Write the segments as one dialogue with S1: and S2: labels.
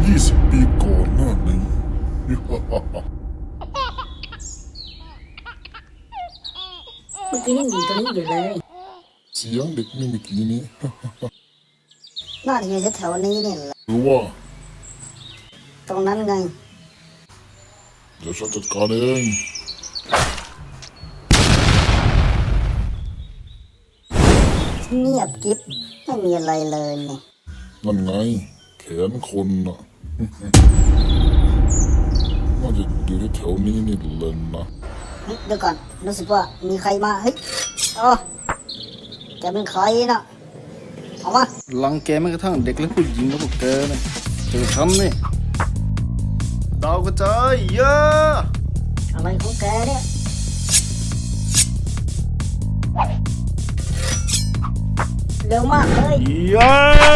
S1: 20 ปีก่อนหน้านี้
S2: เมื่อกี้ยังอยู่ตรงนี้อยู่เลย
S1: เสียงเด็กนี่เมื่อกี้นี้
S2: น่าจะอยู่แถวๆนี้เนี่ยแหละ
S1: หรือว่า
S2: ตรงนั้นไง
S1: เดี๋ยวฉันจัดการเอง
S2: เงียบกิ๊บไม่มีอะไรเลยเนี่ย
S1: นั่นไงแขนคนน่ะ น่าจะอยู่แถวๆนี้นี่เลยนะ
S2: เฮ้ยเดี๋ยวก่อนรู้สึกว่ามีใครมาเฮ้ยโอ้แกเป็นใครนะออกมา
S3: รังแกแม้กระทั่งเด็กและผู้หญิงแล้วพวกแกเนี่ยเจอฉันนี่ดาวกระจายเยอะ
S2: อะไรของแกเนี่ยเร็วมากเลย
S3: เยอะ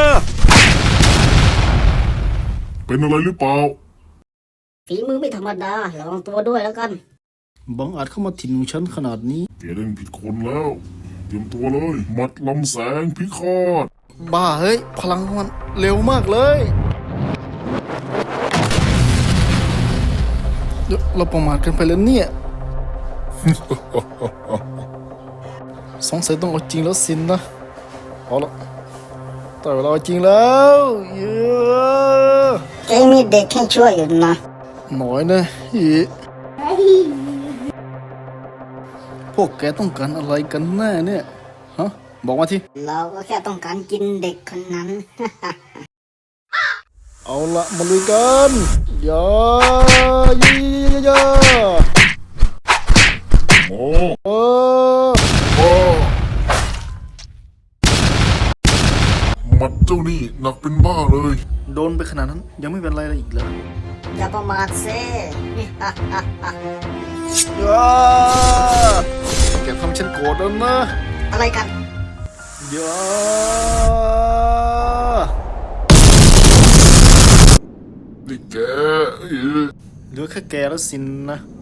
S1: เป็นอะไรหรือเปล่า
S2: ฝีมือไม่ธรรมดาระวังตัวด้วยแล้วกัน
S3: บังอาจเข้ามาถิ่นของฉันขนาดนี้
S1: แกเล่นผิดคนแล้ว เตรียมตัวเลย มัดลำแสงพิฆาต
S3: บ้าเฮ้ยพลังมันเร็วมากเลย เราประมาทกันไปแล้วเนี่ย สงสัยต้องเอาจริงแล้วสินนะเอาละแต่เวลาเอาจริงแล้วเยอะ
S2: แกมีเด็กให้ช่วยอยู่นะ
S3: หน่อยนะฮีพวกแกต้องการอะไรกันแน่เนี่ยฮะบอกมาที
S2: เราก็แค่ต้องการกินเด็กคนนั้น
S3: เอาละมาลุยกันอย่าอย่า
S1: โอ้
S3: เออ
S1: โอ้มัดเจ้านี่หนักเป็นบ้าเลย
S3: โดนไปขนาดนั้นยังไม่เป็นไรเลยอีกเลย
S2: อย่าประมาทเซ่
S3: อย่าแกทำฉันโกรธแล้วนะ
S2: อะไรกัน
S3: อย่า
S1: นี่แก
S3: เหลือแค่แกแล้วสินนะ